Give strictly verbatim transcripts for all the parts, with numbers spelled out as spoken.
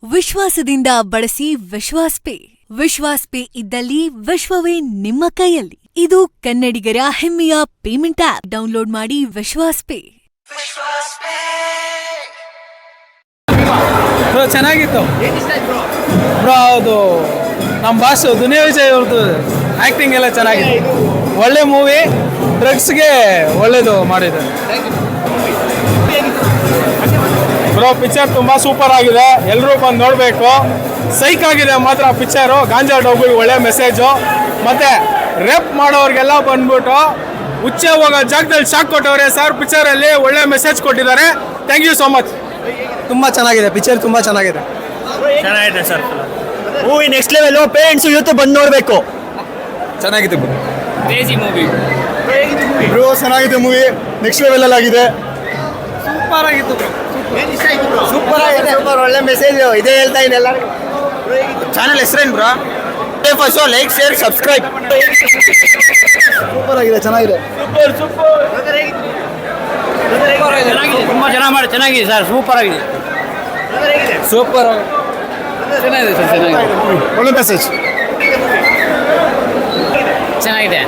ವಿಶ್ವಾಸದಿಂದ ಬಳಸಿ ವಿಶ್ವಾಸ್ ಪೇ. ವಿಶ್ವಾಸ್ ಪೇ ಇದ್ದಲ್ಲಿ ವಿಶ್ವವೇ ನಿಮ್ಮ ಕೈಯಲ್ಲಿ. ಇದು ಕನ್ನಡಿಗರ ಹೆಮ್ಮೆಯ ಪೇಮೆಂಟ್ ಆಪ್. ಡೌನ್ಲೋಡ್ ಮಾಡಿ ವಿಶ್ವಾಸ್ ಪೇ. ಬ್ರೋ ಚೆನ್ನಾಗಿತ್ತು ಬ್ರೋ. ಹೌದು, ನಮ್ಮ ಬಾಸ್ ದುನಿಯಾ ವಿಜಯ್ ಅವ್ರದ್ದು ಆ್ಯಕ್ಟಿಂಗ್ ಎಲ್ಲ ಚೆನ್ನಾಗಿದೆ. ಒಳ್ಳೆ ಮೂವಿ, ಡ್ರಗ್ಸ್ಗೆ ಒಳ್ಳೇದು ಮಾಡಿದ್ದಾರೆ ಬ್ರೋ. ಪಿಕ್ಚರ್ ತುಂಬ ಸೂಪರ್ ಆಗಿದೆ, ಎಲ್ಲರೂ ಬಂದು ನೋಡಬೇಕು. ಸೈಕ್ ಆಗಿದೆ ಮಾತ್ರ ಪಿಕ್ಚರು. ಗಾಂಜಾ ಡೋಗುಗೆ ಒಳ್ಳೆ ಮೆಸೇಜು. ಮತ್ತು ರೇಪ್ ಮಾಡೋರಿಗೆಲ್ಲ ಬಂದ್ಬಿಟ್ಟು ಹುಚ್ಚೆ ಹೋಗೋ ಜಾಗದಲ್ಲಿ ಶಾಕ್ ಕೊಟ್ಟವ್ರೆ ಸರ್. ಪಿಕ್ಚರಲ್ಲಿ ಒಳ್ಳೆ ಮೆಸೇಜ್ ಕೊಟ್ಟಿದ್ದಾರೆ. Thank you so much. ತುಂಬ ಚೆನ್ನಾಗಿದೆ ಪಿಕ್ಚರ್, ತುಂಬ ಚೆನ್ನಾಗಿದೆ ಚೆನ್ನಾಗಿದೆ sir. Movie next level. Parents ಇವತ್ತು ಬಂದು ನೋಡಬೇಕು. ಚೆನ್ನಾಗಿದೆ ಬ್ರೋ. Crazy movie bro. ಚೆನ್ನಾಗಿದೆ ಮೂವಿ, ನೆಕ್ಸ್ಟ್ ಲೆವೆಲ್ ಆಗಿದೆ. ಸೂಪರ್ ಆಗಿತ್ತು ಬ್ರೋ. ಸೂಪರ್ ಆಗಿದೆ, ಸೂಪರ್ ಒಳ್ಳೆ ಮೆಸೇಜ್ ಇದೇ ಹೇಳ್ತಾ ಇದೆ ಎಲ್ಲರಿಗೂ. ಚಾನಲ್ ಹೆಸರೇನು bro? First like share subscribe. Super ಆಗಿದೆ, ಚೆನ್ನಾಗಿದೆ. ಸೂಪರ್ ಸೂಪರ್ ಚೆನ್ನಾಗಿದೆ, ತುಂಬ ಚೆನ್ನಾಗಿ ಮಾಡಿ ಚೆನ್ನಾಗಿದೆ ಸರ್. ಸೂಪರ್ ಆಗಿದೆ, ಸೂಪರ್ ಚೆನ್ನಾಗಿದೆ ಸರ್. ಚೆನ್ನಾಗಿದೆ, ಒಳ್ಳೆ ಮೆಸೇಜ್. ಚೆನ್ನಾಗಿದೆ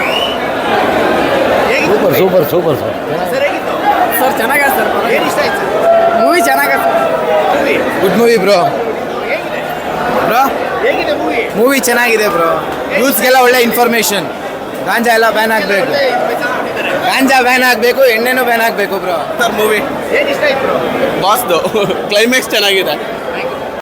super super super sir. Sir ಚೆನ್ನಾಗಿದೆ ಸರ್. ಮೂವಿ ಚೆನ್ನಾಗಿದೆ. Good movie bro. Bro movie ಚೆನ್ನಾಗಿದೆ ಬ್ರೋ. ಯೂತ್ಸ್ಗೆಲ್ಲ ಒಳ್ಳೆ ಇನ್ಫಾರ್ಮೇಶನ್. ಗಾಂಜಾ ಎಲ್ಲ ಬ್ಯಾನ್ ಆಗಬೇಕು, ಗಾಂಜಾ ಬ್ಯಾನ್ ಆಗಬೇಕು, ಎಣ್ಣೆನೂ ಬ್ಯಾನ್ ಆಗಬೇಕು ಬ್ರೋ. ಸರ್ ಮೂವಿ ಬಾಸ್ದು ಕ್ಲೈಮ್ಯಾಕ್ಸ್ ಚೆನ್ನಾಗಿದೆ.